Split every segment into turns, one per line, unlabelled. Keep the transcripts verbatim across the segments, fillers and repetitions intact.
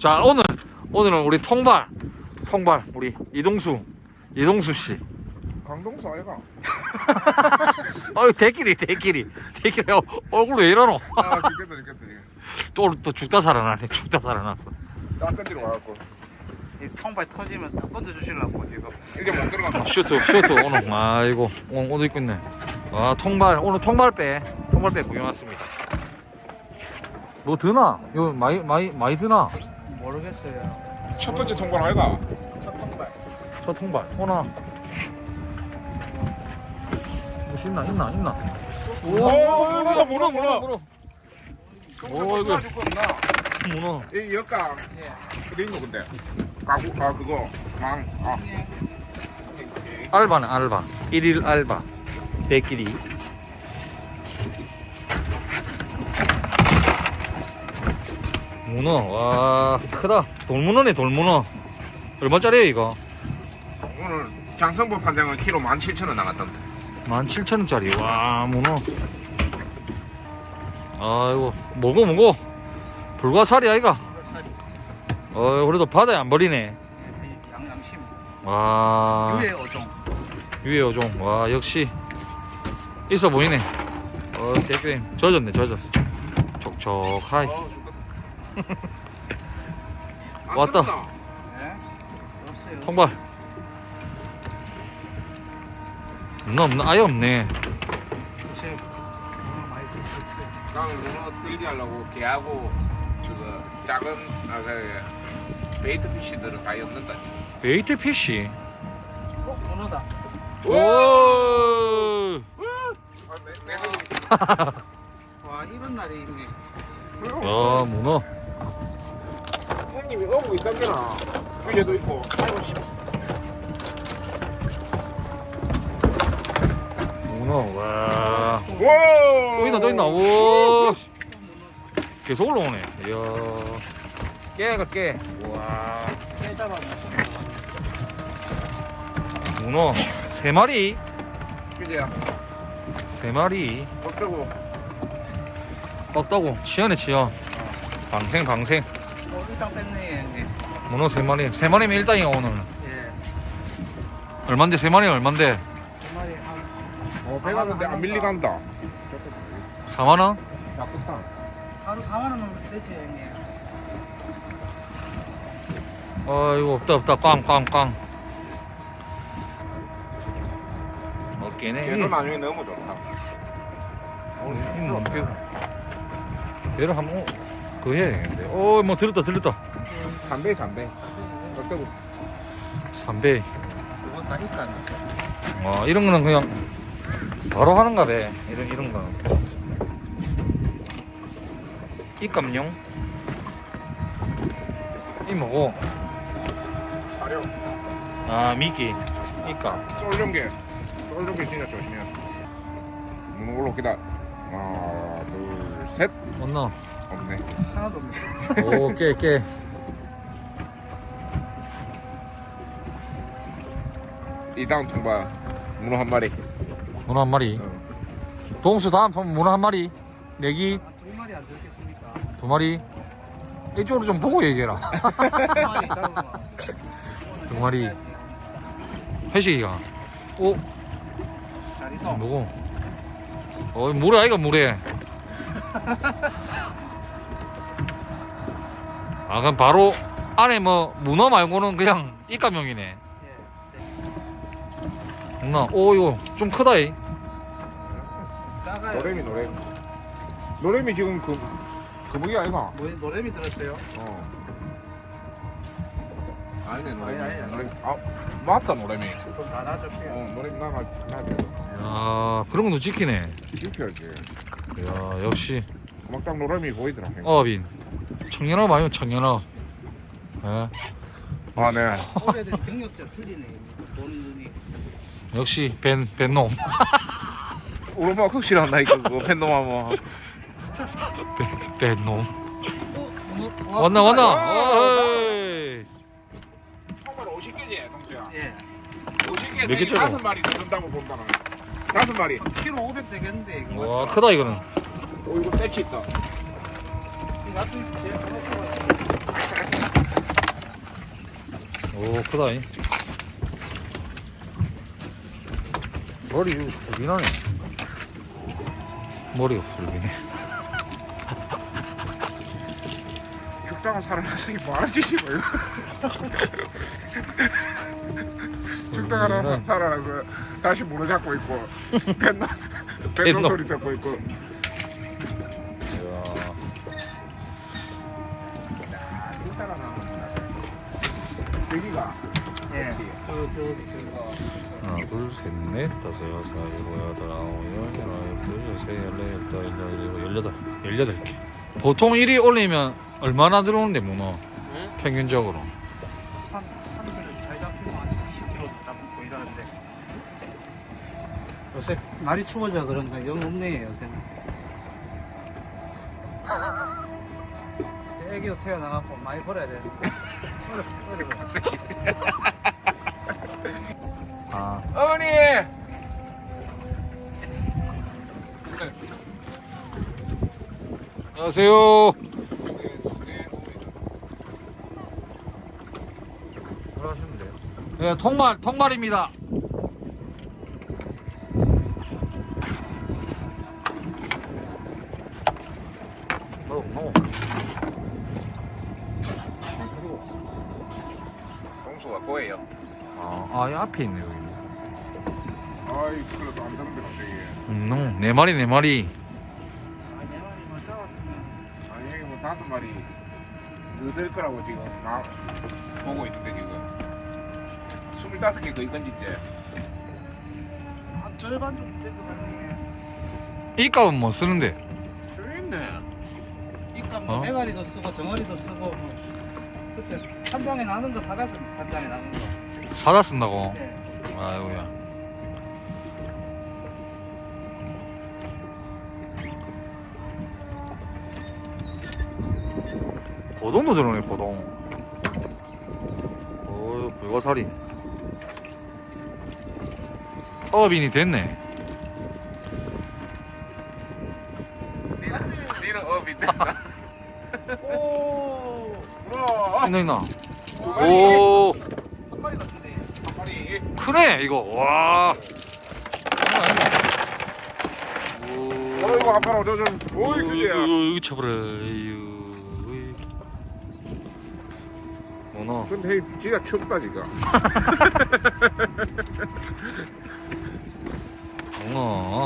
자, 오늘 오늘은 우리 통발 통발 우리 이동수 이동수 씨.
강동수 아이가?
아유 대끼리 대끼리 대끼리 어, 얼굴 왜 이러노?
아 죽겠다 죽겠다
또, 또 죽다 살아나네. 죽다 살아났어.
딱 던지러 와갖고
이 통발 터지면 딱 건져 주시려고 이거.
이제 못 들어간다.
슈트 슈트 오늘 아이고 오늘 옷 입고 있네. 아 통발 오늘 통발배 통발배 구경 왔습니다. 뭐 드나? 이거 많이 많이 많이 드나?
모르겠어요.
첫 번째 통발 아이가?
첫 통발.
저 통발 오나. 뭐 있나 있나 있나?
오 문어 문어 문어
문어.
오 이거
문어.
이 역가
예.
어디 있노 근데? 가구 아 그거 망아
알바는 알바. 일일 알바. 대끼리. 문어. 와 크다. 돌문어네 돌문어. 얼마짜리야 이거?
오늘 장성보 판장은 키로 만 칠천 원 나갔던데.
만 칠천 원짜리. 와 문어. 아이고 뭐고 뭐고. 불가사리 아이가. 어 그래도 바다에 안 버리네.
양양심.
와
유해 어종.
위에 어종. 와 역시 있어 보이네. 어 대표님 젖었네 젖었어. 촉촉하이. 왔다.
네. 없어요.
통발. 문어 없나? 아예 없네.
보세요. 문어 많이 드셨어요.
나는 문어 들기 하려고 개하고 그거 작은 아, 그 베이트 피쉬들은 다 엮는다.
베이트 피쉬.
어 문어다.
오.
아, 내, 내가
와 이런 날이 있네.
아 문어.
형님이 어묵 있다잖아. 위에도 있고. 아이고 씨.
문어. 와.
와.
또 있나 또 있나. 오. 계속 올라오네. 이야. 깨가 깨. 와.
깨 잡아.
문어 세 마리.
그지야.
세 마리.
어쩌고.
빡다고 치어네 치어. 방생 방생.
어 일단 뺐네 형님.
문어 세 마리. 세 마리면 일당이야 오늘.
예.
얼만데 세 마리 얼만데?
두 마리 한.
어 배가는데 안 밀리간다.
사만 원?
나쁘다.
하루 사만 원만 되지 형님.
아이고 없다 없다 꽝꽝꽝. 어깨네.
얘도 나중에 너무 좋다.
오늘 얘를 한번 그거 해야 되겠는데. 어뭐 들었다 들었다.
담배 담배. 어쩌고.
삼배.
그거 다 있다.
와 이런 거는 그냥 바로 하는가 봐. 이런 이런 거. 입감용. 이 뭐고?
사료.
아 미끼. 입감.
쏠룡 게. 쏠룡 게 진짜 조심해야 돼. 문어 올라오기다. 하나 둘 셋.
없나?
없네.
하나도 없네.
오 깨 깨.
이 다음 통발 문어 한 마리.
문어 한 마리. 동수 다음 통 문어 한 마리. 내기
두 마리 안 들겠습니까?
두 마리. 이쪽으로 좀 보고 얘기해라.
두 마리 잡은 거.
두 마리. 회식이가. 오
잘 있어.
뭐고? 어 물에 아이가 물에. 아 그럼 바로 안에 뭐 문어 말고는 그냥 입감용이네.
예.
누나 오 이거 좀 크다 이.
작아요.
노래미 노래미. 노래미 지금 그 그무기 아이가?
뭐, 노래미 들었어요?
어. 아니네 노래미.
아니, 아니, 아니.
노래미. 아 맞다 노래미.
좀 나눠줄게요.
어 노래미 나가 나가.
야 그런 것도 지키네.
지켜야지.
야 역시
막 딱 노래미 보이더라.
어빈 청년아 봐요 청년아. 예.
아 네.
올해들 경력자 틀리네. 보는 눈이.
역시 벤 벤놈.
오르막 속 싫어한다 이거 그거 팬덤하면.
벤 벤놈.
어?
왔나 왔나.
와,
어이.
정말 오십 개지 동수야.
예.
오십 개.
몇 개짜리?
다섯 마리 더 든다고 본다는. 다섯 마리.
키로 오백 되겠는데 이거.
와 크다 이거는.
오 이거 떼치 있다.
이거 놔두면 제일
오, 크다잉. 머리 불비나네. 머리가 불비네.
죽다가 살아나서 이게 뭐하는 짓이고 이거. 죽다가
불비네.
살아나서 다시 문어 잡고 있고 뱃나
뱃놈.
뱃놈 소리 듣고 있고.
이야.
야, 이거 살아나. 여기가
예. 저, 저, 저거.
하나, 둘, 셋, 넷, 다섯, 여섯, 일곱, 여덟, 아홉, 열, 열하나, 열둘, 열세, 열네, 열다섯, 열여덟, 일곱, 열여덟, 열여덟 개. 보통 일이 올리면 얼마나 들어오는데 문어?
응?
평균적으로.
한, 한 그릇 잘 잡히면 한 이십 킬로그램 잡고 이러는데. 요새 날이 추워져 그런가 영 없네 요새는. 이제 애기도 태어나갖고 많이 벌어야 되는데. 어려, 어려워.
아,
어머니.
안녕하세요.
들어가시면 돼요.
네, 통말, 통말입니다. 어, 어.
동수가 꼬예요.
아, 아, 이 앞에 있네, 여기.
아이 그래도 안 되는데 갑자기.
음, 너, 네 마리, 네 마리.
아, 내 말이만 잡았으면.
아니 여기 뭐 다섯 마리 더될 거라고 지금 나 보고 있는데 지금 스물다섯 개 거의 건지째.
아, 절반 좀 될 것 같네.
이 값은 뭐 쓰는데?
재밌네.
이까 뭐
어?
메가리도 쓰고 정어리도 쓰고 뭐 그때 한 장에 나는 거 사갔으면 한 장에 나는 거.
사다 쓴다고?
네.
아이고야. 고동도 들어오네, 고동. 오, 불가사리. 어빈이 됐네.
니는 업인데.
오,
우와.
있나, 있나?
두 마리.
오,
한 마리 같은데.
한 마리.
크네, 이거. 와.
어 이거 아빠랑 어쩌죠? 오이 그게야.
이거 쳐버려. 이거. 문어.
근데 지가 춥다 지가.
문어.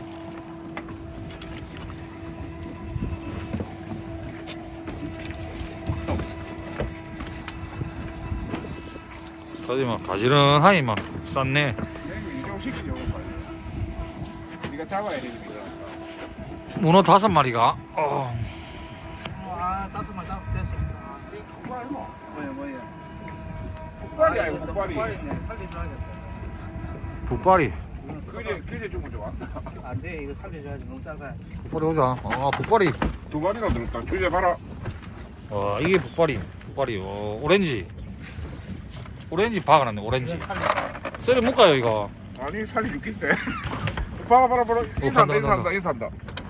하지만 가지런하니 막 쌌네.
이종 시키려고 빨리. 네가 잡아야 되지 네가.
문어 다섯 마리가. 어.
아, 다섯 마리 잡 됐습니다.
국발이 뭐?
뭐야, 뭐야.
국발이 아니고
이거
국발이.
국발이네. 살려줘야겠다.
북발이.
그게 그게 주면 좋아.
안 돼, 이거 살려줘야지. 너무 작아.
북발이 오자. 아, 북발이.
두 마리나 들었다. 주제 봐라.
와, 이게 북발이. 북발이. 어, 오렌지. 오렌지 박아놨네, 오렌지.
이거 살려.
썰이 묶어요, 이거.
아니 살이 죽겠대. 봐봐 봐라 봐라. 인사한다
간다,
인사한다
간다.
인사한다.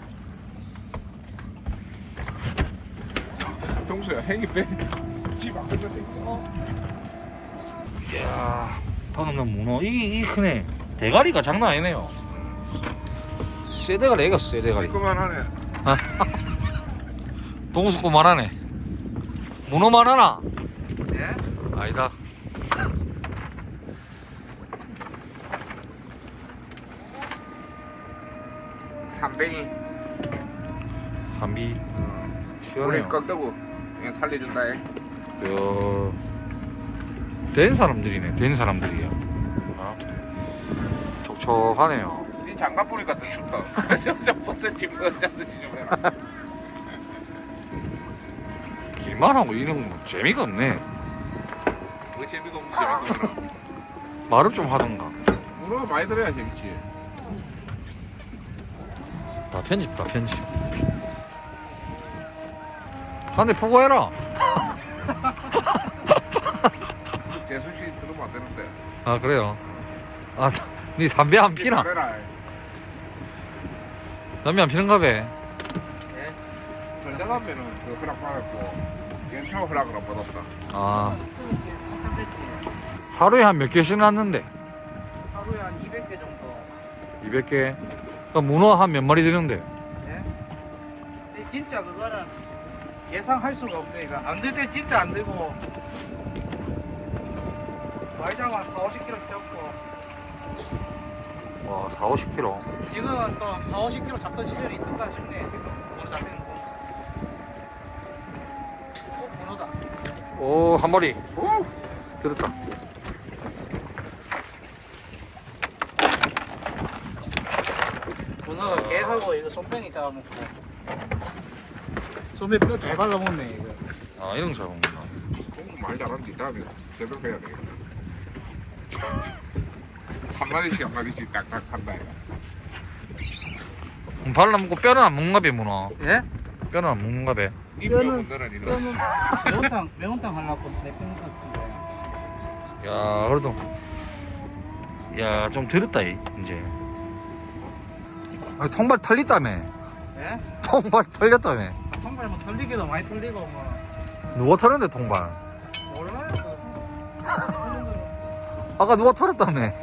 동수야 행이 빼. 집 앞에 있는데. 어?
이야, 방금 문어. 이게, 이게 크네. 대가리가 장난 아니네요. 쇠대가리, 애가 쇠대가리.
그만하네.
동숙구만 하네. 문어만 하나?
네?
아니다.
삼뱅이.
삼비.
우리
시원해요.
꺾다고 그냥 살려준다 해.
저... 된 사람들이네, 된 사람들이야. 어? 촉촉하네요.
네 장갑 보니까 더 춥다. 점점 벗든지 벗든지 좀 해라.
길만 하고 이런 거 재미가 없네.
왜 재미가 없는 재미가 없나?
말을 좀 하던가.
문어가 많이 들어야 재밌지.
다 편집, 다 편집. 한 대 포고해라.
재수 씨 들으면 안 되는데.
아, 그래요? 아, 니 담배 안 피나?
잘해라.
담배 안 피는가 봐.
네?
전자담배는 그 허락 받았고 연초 허락을 안 받았다.
아,
한참 됐지.
하루에 한 몇 개씩 났는데?
하루에 한 이백 개 정도.
이백 개? 그럼 문어 한 몇 마리 드는데?
예? 근데 진짜 그거는 예상할 수가 없으니까 안 들 때 진짜 안 들고 많이 잡아 사오십 킬로 잡고
와, 사오십 킬로.
지금은 또 사오십 킬로 잡던 시절이 있던가 싶네. 지금 문어 잡히는 거. 꼭 문어다.
오, 한 마리.
오!
들었다.
문어가 개하고 이거 손병이 잡아먹고 손에 뼈 잘 발라먹네 이거.
아, 이런 거 잘 먹는다.
공부 많이 잘하는데 다음에 제대로 해야 되겠다. 한 마디씩 한 마디씩 딱딱 한다 이거.
그럼 발라먹고 뼈는 안 먹는가 배 문어?
예?
뼈는 안 먹는가 배?
이
뼈는-
뼈는 이런.
그러면 매운탕 매운탕 하려고 내편 같은데.
야, 그래도 야, 좀 들었다 이, 이제. 아니, 통발 털렸다며.
예?
통발 털렸다며.
아, 통발 뭐 털리기도 많이 털리고 뭐
누가 털었는데 통발?
몰라요.
아까 누가 털었다며.
아,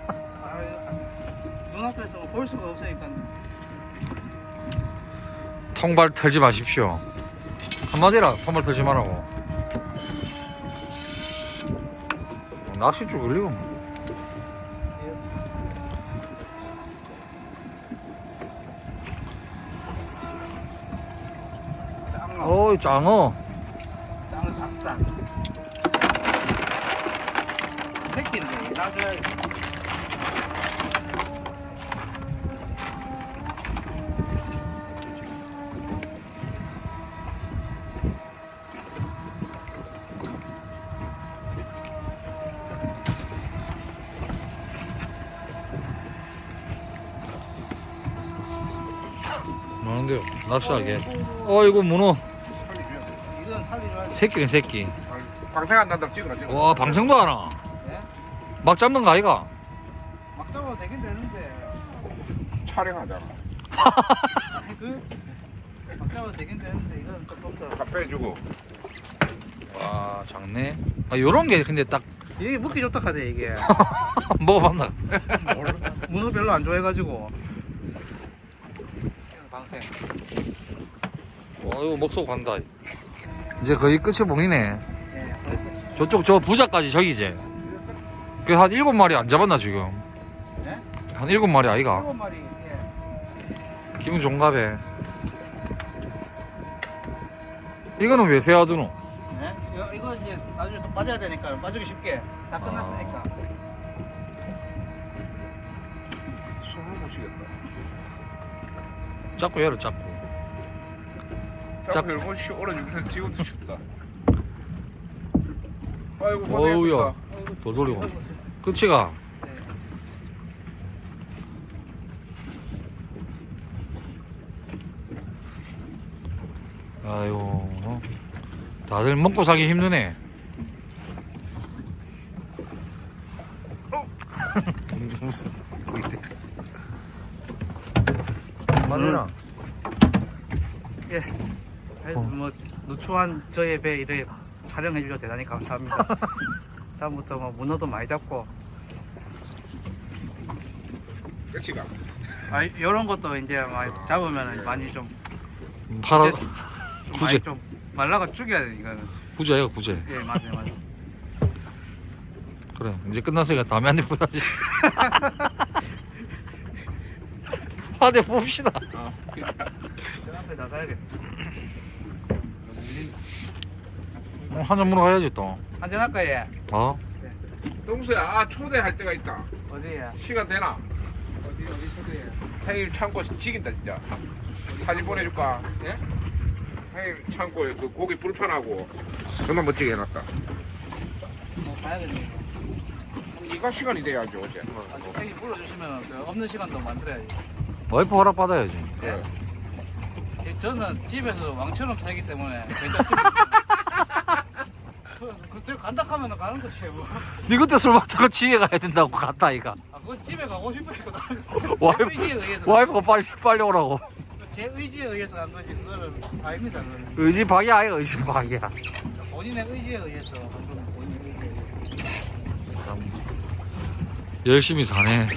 눈앞에서 뭐볼 수가 없으니까.
통발 털지 마십시오. 한마디라 통발 털지 말라고. 어, 낚싯줄 걸리고 뭐.
짱어.
어이, 짱어.
짱은 작다. 새끼인데 나줘야지.
뭐하는데요? 낚시하게. 어이구, 문어.
살리줘야 돼.
이건 살리줘야지.
새끼는 새끼.
방생 안 난다고 찍으라 찍으라.
와, 방생도 하나.
예?
막 잡는 거 아이가?
막 잡아도 되긴 되는데.
촬영하자.
아니 그막 잡아도 되긴 되는데 이건 조금 더.
다 빼주고.
와, 작네. 아, 요런 게 근데 딱
이게 먹기 좋다 카대 이게.
먹어봤나?
문어 별로 안 좋아해가지고. 방생.
와, 이거 먹소 간다. 이제 거의 끝이 보이네.
예. 거기까지.
저쪽 저 부자까지 저기지. 그 한 일곱 마리 안 잡았나 지금?
예?
한 일곱 마리 아이가?
일곱 마리. 예.
기분 좋은가 배. 이거는 왜 세워두노?
네? 이거, 이거 이제 나중에 또 빠져야 되니까 빠지기 쉽게 다 끝났으니까.
숨을 못 쉬겠다.
잡고 열어 잡고.
짝 열고 쉬 얼어 죽으면 지금도 춥다. 아이고
어우야.
고생했습니다.
돌 돌리고. 끝이가.
네.
아유, 어? 다들 먹고 살기 힘드네. 무슨 거기 맞나?
예. 그래서
어.
뭐 누추한 저의 배 이래 촬영해 주셔서 대단히 감사합니다. 다음부터 뭐 문어도 많이 잡고
끝이가.
아 이런 것도 이제 많이 잡으면 많이 좀
팔아
좀
구제.
많이 좀 말라가 죽여야 돼 이거는.
구제야 구제.
예 맞아요 맞아요.
그래 이제 끝났으니까 다음에 한 대 뿌려야지. 한 대 봅시다.
아,
저 앞에 나가야겠다.
어, 한잔 물어 가야지 또.
한잔 할까 얘?
어?
동수야, 아 초대할 때가 있다.
어디에?
시간 되나?
어디 어디 초대해?
형님 창고 지긴다 진짜. 사진 보내줄까?
예?
형님 창고에 그 고기 불편하고 존나 멋지게 해놨다.
뭐 가야겠네.
이거 시간이 돼야죠 어제.
아, 형이 불러주시면 그 없는 시간도 만들어야지.
와이프 허락 받아야지.
네.
예, 저는 집에서 왕처럼 살기 때문에 괜찮습니다. 그, 그때 간다 하면 가는 거지 뭐.
니 그때 술 마시고 집에 가야 된다고 갔다 아이가.
아, 그건 집에 가고 싶으니까 나는
와이프-
제 의지에 의해서
와이프가 빨리 빨리 오라고.
제 의지에 의해서 간 거지 그거는 아닙니다. 그거는.
의지 박이야 아이가 의지 박이야.
본인의 의지에 의해서 한 거는 본인의 의지에 의해서.
참 열심히 사네.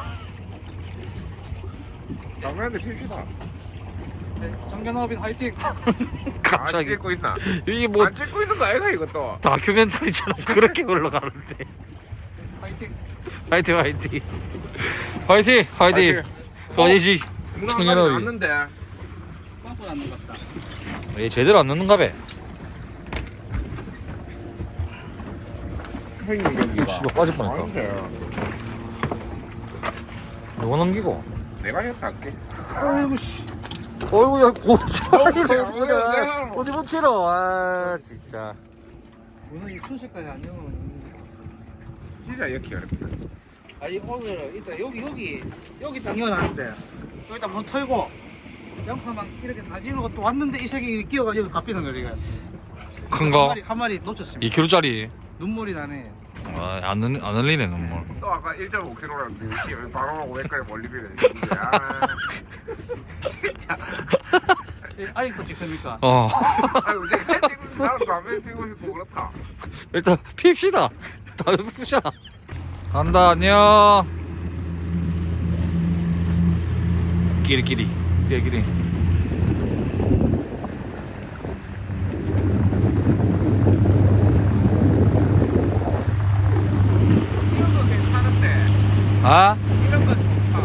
장난한테 핍시다.
네, 정견호빈 화이팅.
안
갑자기
찍고 있나?
이게 뭐
안 찍고 있는 거 아이가 이것도.
다큐멘터리처럼 그렇게 흘러가는데.
화이팅.
화이팅 화이팅 화이팅 화이팅. 도와주시 청년어리.
났는데.
뻔뻔 안는 것 같다.
얘 제대로 안 넣는가 봐.
형님 여기가.
씨발 빠질 뻔했다.
아닌데.
이거 넘기고.
내가 했다 할게.
아이고 씨.
어이구야 고추
어이구, 내가
어디 붙이러. 아 진짜.
오늘 이 순식간에 안 되면.
진짜 이렇게 어렵다.
아니 오늘 일단 여기 여기 여기 당겨놨는데 여기다 문 털고 양파만 이렇게 다지는 것도 왔는데 이 새끼 끼어가 여기 갚이는 거야 이거.
큰
한
거
마리 한 마리 놓쳤습니다.
이 킬로짜리.
눈물이 나네.
아, 안, 흘, 안 흘리네 눈물.
또 아까 일 점 오 킬로그램인데 바로 오백그램 올리비를 아 진짜.
예, 아직도 찍습니까?
어.
아유 내가 찍고 싶어. 나도 담배 피고 싶고 그렇다.
일단 핍시다. 다들 푸자. 간다 안녕. 끼리끼리 끼리끼리.
이런 거 괜찮은데.
아?
이런 거 좋다.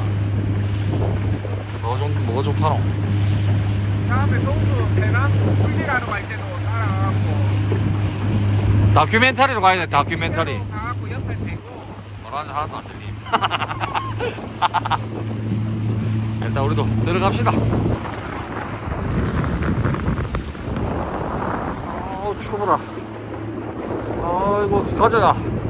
뭐가 좀 뭐가 좋다노?
다음에 동수 대남 훈련하러 갈 때도 따라가고.
다큐멘터리로 가야 돼. 다큐멘터리.
가갖고 옆에 대고.
뭐라는지 하나도 안 들림. 일단 우리도 들어갑시다. 아우 추워라. 아이고 가자.